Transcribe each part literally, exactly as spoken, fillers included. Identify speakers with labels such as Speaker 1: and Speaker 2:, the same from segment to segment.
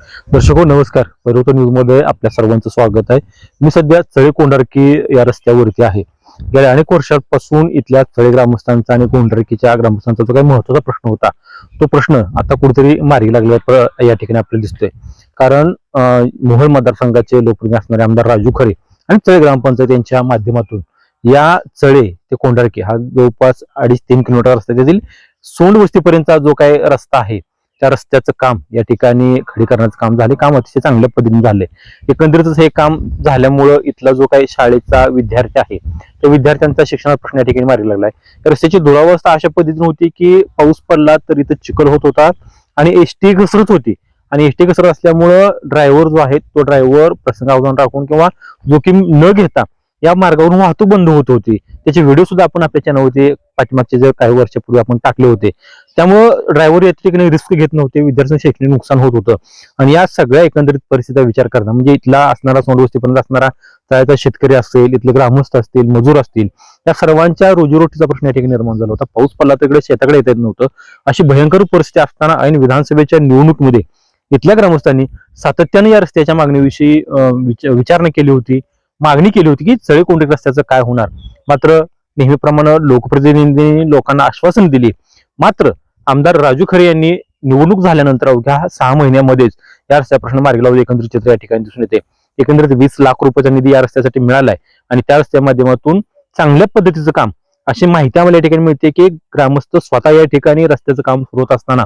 Speaker 1: दर्शको नमस्कार, पर्वत न्यूज मध्ये आपल्या सर्वांचं स्वागत आहे. मी सध्या चळे कोंढारकी या रस्त्यावरती आहे. गेल्या अनेक वर्षांपासून इथल्या चळे ग्रामस्थांचा आणि कोंढारकीच्या ग्रामस्थांचा जो काही महत्त्वाचा प्रश्न होता, तो प्रश्न आता कुठेतरी मार्गी लागला या ठिकाणी आपल्याला दिसतोय. कारण मोहोळ मतदारसंघाचे लोकप्रिय असणारे आमदार राजू खरे आणि चळे ग्रामपंचायत यांच्या माध्यमातून या चळे ते कोंढारकी हा जवळपास अडीच तीन किलोमीटर रस्ता, त्यातील सोंड वस्तीपर्यंतचा जो काही रस्ता आहे त्या रस्त्याचं काम या ठिकाणी खडीकरणाचं काम झाले. काम अतिशय चांगल्या पद्धतीने झाले. एकंदरीतच हे काम झाल्यामुळं इथला जो काही शाळेचा विद्यार्थी आहे त्या विद्यार्थ्यांचा शिक्षणाचा प्रश्न या ठिकाणी मार्गी लागलाय. रस्त्याची दुरावस्था अशा पद्धतीने होती की पाऊस पडला तर इथं चिखल होत होता आणि एसटी घसरत होती. आणि एसटी घसरत असल्यामुळं ड्रायव्हर जो आहे तो ड्रायव्हर प्रसंगावधान राखून किंवा जोखीम न घेता या मार्गावरून वाहतूक बंद होत होती. त्याचे व्हिडिओ सुद्धा आपण आपल्या चॅनलवरती पाठीमागचे जे काही वर्षापूर्वी आपण टाकले होते. त्यामुळं ड्रायव्हर या ठिकाणी रिस्क घेत नव्हते, विद्यार्थ्यांचं शैक्षणिक नुकसान होत होतं. आणि या सगळ्या एकंदरीत परिस्थितीचा विचार करता म्हणजे इथला असणारा सोंडवस्तीपर्यंत असणारा तळ्याचा शेतकरी असेल, इथले ग्रामस्थ असतील, मजूर असतील, या सर्वांच्या रोजीरोटीचा प्रश्न या ठिकाणी निर्माण झाला होता. पाऊस पडला तर इकडे शेताकडे येता येत नव्हतं. अशी भयंकर परिस्थिती असताना ऐन विधानसभेच्या निवडणुकीमध्ये इथल्या ग्रामस्थांनी सातत्याने या रस्त्याच्या मागणीविषयी विचारणा केली होती, मागणी केली होती की चळे कोंढारकी रस्त्याचं काय होणार. मात्र नेहमीप्रमाणे लोकप्रतिनिधींनी लोकांना आश्वासन दिली. मात्र आमदार राजू खरे यांनी निवडणूक झाल्यानंतर अवघ्या सहा महिन्यामध्येच या रस्त्या प्रश्न मार्गी लावले एकंदरीत चित्र या ठिकाणी दिसून येते. एकंदरीत वीस लाख रुपयाचा निधी या रस्त्यासाठी मिळालाय आणि त्या रस्त्या माध्यमातून चांगल्या पद्धतीचं काम, अशी माहिती आम्हाला या ठिकाणी मिळते की ग्रामस्थ स्वतः या ठिकाणी रस्त्याचं काम सुरू होत असताना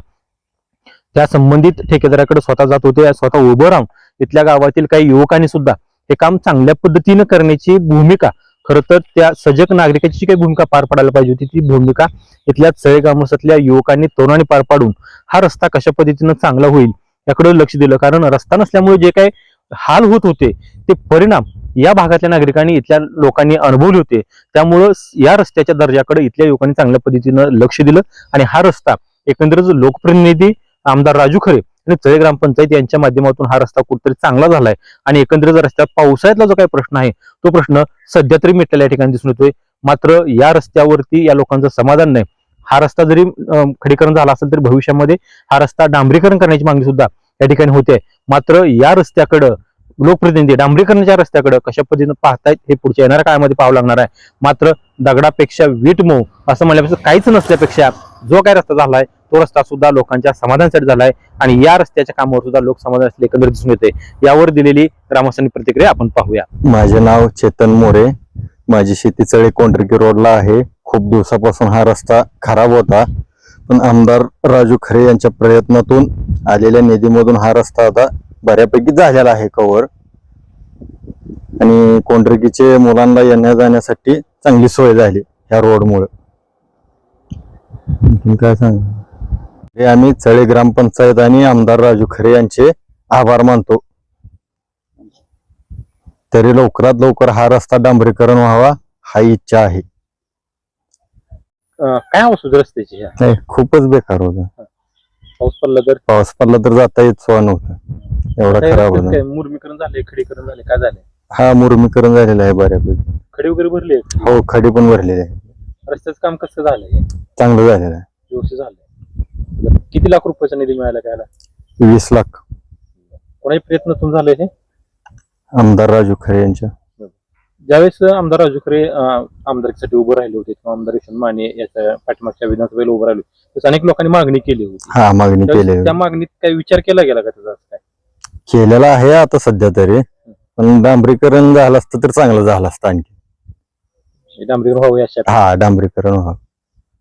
Speaker 1: त्या संबंधित ठेकेदाराकडे स्वतः जात होते. स्वतः उभं राहून इथल्या गावातील काही युवकांनी सुद्धा हे काम चांगल्या पद्धतीने करण्याची भूमिका, खरं तर त्या सजग नागरिकाची जी काही भूमिका पार पाडायला पाहिजे होती ती भूमिका इथल्या चळे ग्रामस्थातल्या युवकांनी तरुणांनी पार पाडून हा रस्ता कशा पद्धतीनं चांगला होईल याकडे लक्ष दिलं. कारण रस्ता नसल्यामुळे जे काही हाल होत होते ते परिणाम या भागातल्या नागरिकांनी, इथल्या लोकांनी अनुभवले होते. त्यामुळं या रस्त्याच्या दर्जाकडे इथल्या युवकांनी चांगल्या पद्धतीनं लक्ष दिलं आणि हा रस्ता एकंदरीत लोकप्रतिनिधी आमदार राजू खरे आणि चळे ग्रामपंचायत यांच्या माध्यमातून हा रस्ता कुठेतरी चांगला झालाय. आणि एकंदरीत रस्त्यात पावसाळ्यातला जो काही प्रश्न आहे तो प्रश्न सध्या तरी मिटलेला या ठिकाणी दिसून येतोय. मात्र या रस्त्यावरती या लोकांचं समाधान नाही. हा रस्ता जरी खडीकरण झाला असेल तरी भविष्यामध्ये हा रस्ता डांबरीकरण करण्याची मागणी सुद्धा या ठिकाणी होते. मात्र या रस्त्याकडं लोकप्रतिनिधी डांबरीकरणाच्या रस्त्याकडे कशा पद्धतीने पाहतायत हे पुढच्या येणाऱ्या काळामध्ये पाहावं लागणार आहे. मात्र दगडापेक्षा वीट मऊ असं म्हणल्यापेक्षा काहीच नसल्यापेक्षा जो काय रस्ता झालाय तो रस्ता सुद्धा लोकांच्या समाधानासाठी झालाय आणि या रस्त्याच्या कामावर सुद्धा लोक समाधान असले एकंदरीत दिसून येते. यावर दिलेली ग्रामस्थांनी प्रतिक्रिया आपण पाहूया.
Speaker 2: माझे नाव चेतन मोरे. माझी शेती चळे कोंढारकी रोडला आहे. खूप दिवसापासून हा रस्ता खराब होता, पण आमदार राजू खरे यांच्या प्रयत्नातून आलेल्या निधीमधून हा रस्ता आता बऱ्यापैकी झालेला आहे कव्हर. आणि कोंढारकीचे मुलांना येण्या जाण्यासाठी चांगली सोय झाली ह्या रोडमुळे. काय सांग हे आम्ही चळे ग्रामपंचायत आणि आमदार राजू खरे यांचे आभार मानतो. तरी लवकरात लवकर हा रस्ता डांबरीकरण व्हावा हा इच्छा आहे.
Speaker 1: काय अवस्था रस्त्याची?
Speaker 2: नाही, खूपच बेकार होता.
Speaker 1: पाऊस पडला तर
Speaker 2: पाऊस पडला तर जाता येत सोय नव्हता, एवढा खराब होता.
Speaker 1: मुरमीकरण झाले, खडीकरण झाले, काय झाले?
Speaker 2: हा मुरमीकरण झालेलं आहे बऱ्यापैकी.
Speaker 1: खडी वगैरे भरले?
Speaker 2: हो, खडी पण भरलेली आहे.
Speaker 1: रस्त्याचं काम कसं झालंय?
Speaker 2: चांगलं झालेलं आहे,
Speaker 1: व्यवस्थित झालंय. किती लाख रुपयाचा निधी मिळाला काय?
Speaker 2: वीस लाख.
Speaker 1: कोणाही प्रयत्नातून झालंय हे?
Speaker 2: आमदार राजू खरे यांच्या.
Speaker 1: ज्यावेळेस आमदार राजू खरे आमदारकीसाठी उभं राहिले होते किंवा आमदार यशवंत माने याच्या पाठीमागच्या विधानसभेला उभं राहिले होते, अनेक लोकांनी मागणी केली होती.
Speaker 2: हा, मागणी केली.
Speaker 1: त्या मागणीत काही विचार केला गेला का त्याचा? काय
Speaker 2: केलेला आहे आता सध्या तरी, पण डांबरीकरण झालं असतं तर चांगलं झालं असतं. आणखी
Speaker 1: डांबरीकरण व्हावं अशा.
Speaker 2: हा, डांबरीकरण व्हावं.